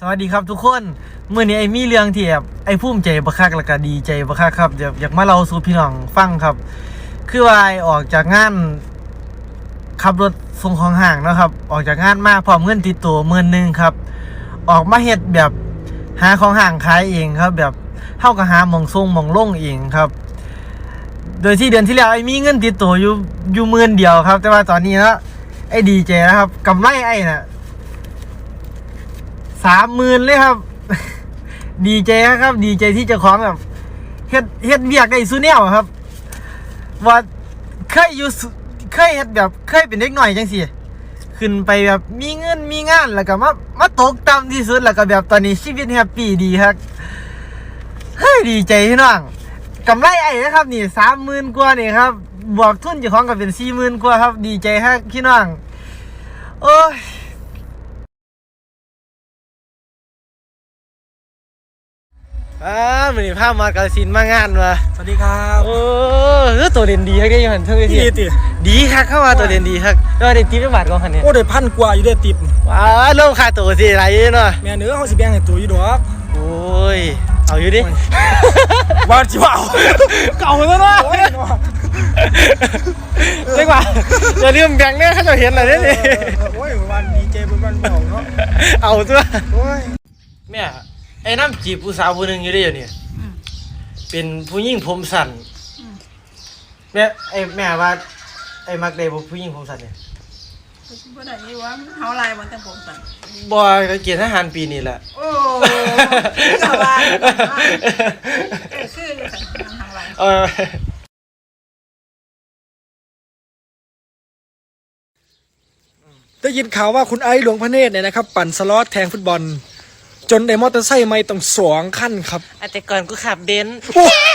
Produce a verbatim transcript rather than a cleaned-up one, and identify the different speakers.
Speaker 1: วัสดีครับทุกคนเมื่อนี้ไอ้มีเรื่องที่แบบไอ้ภูมิใจบักคักแล้วก็ดีใจบักคักครับอยากอยากมาเล่าสู่พี่น้องฟังครับคือว่าไอ้ออกจากงานขับรถส่งของห้างนะครับออกจากงานมาพร้อมเงินติดตัวหมื่นหนึ่งครับออกมาเฮ็ดแบบหาของห้างขายเองครับแบบเท่ากับหาหม่องส่งหม่องลงเองครับโดยที่เดือนที่แล้วไอ้มีเงินติดตัวอยู่อยู่หมื่นเดียวครับแต่ว่าตอนนี้นะไอ้ดีใจนะครับกำไรไอ้น่ะสามหมื่นเลยครับ ดีใจครับดีใจที่เจ้าของแบบเฮ็ดเฮ็ดเบียกได้ซูเนียครับว่าเคยอยู่เคยเฮ็ดแบบเคยเป็นเด็กหน่อยจังสิขึ้นไปแบบมีเงินมีงานแล้วก็มามาตกต่ำที่สุดแล้วก็แบบตอนนี้ชีวิตแฮปปี้ดีครับเฮ้ยดีใจพี่น้องกำไรไอ้นะครับนี่สามหมื่นกว่านี่ครับบวกทุนเจ้าของก็เป็นสี่หมื่นกว่าครับดีใจครับพี่น้องโอ้ยอ่ามันนี่ภาพมากาลสินมางานมา
Speaker 2: สวัสดีครับ
Speaker 1: โอ้เออตัวเด่นดีครับแกยังหันเท่าไหร่ที
Speaker 2: ดีติ
Speaker 1: ดีครับเข้ามาตัวเด่นดีครับก็ได้ติ๊บเป็นบาทก่อนคันนี้
Speaker 2: โอ้ได้พันกว่าอยู่ได้ติบ
Speaker 1: ว้าเริ่มขาดตัวสิอะไรเนาะ
Speaker 2: แม่เนื้อเขาสิแบ่งให้ตัวอยู่ดอก
Speaker 1: โอ้ยเอาอยู่ดิ
Speaker 2: ว่าจิว่าเอาเก่าแล้วนะ
Speaker 1: เรียกว่าอย่าลืมแบ่งเนี่ยเขาจะเห็นอะไรเนี่ย
Speaker 2: โอ้ยวันดีเจเป็นวันบอกเนาะ
Speaker 1: เอาตัว
Speaker 2: โอ้ย
Speaker 1: แม่ไอ้น้ำจีบผู้สาวผู้หนึ่งอยู่ได้อยู่เนี่ยเป็นผู้หญิงผมสั้นแม่ไอ้แม่ว่าไอ้มักได้ผู้หญิงผมสั้นเนี่ย
Speaker 3: บ่ได้นี่ว่าเฮาลายมันแต่ผมสั่น
Speaker 1: บ่ก็เกณฑ์ทหารปีนี้แหละ
Speaker 3: โอ้สบายเออคืออยู่สั่นทางหลัง
Speaker 1: เออ
Speaker 2: ได้ยินข่าวว่าคุณไอ้หลวงพระเนตรเนี่ยนะครับปั่นสล็อตแทงฟุตบอลจนได้มอเตอร์ไซค์ไม่ต้องสองขั้นครับ
Speaker 1: แต่ก่อนกูขับเบนซ์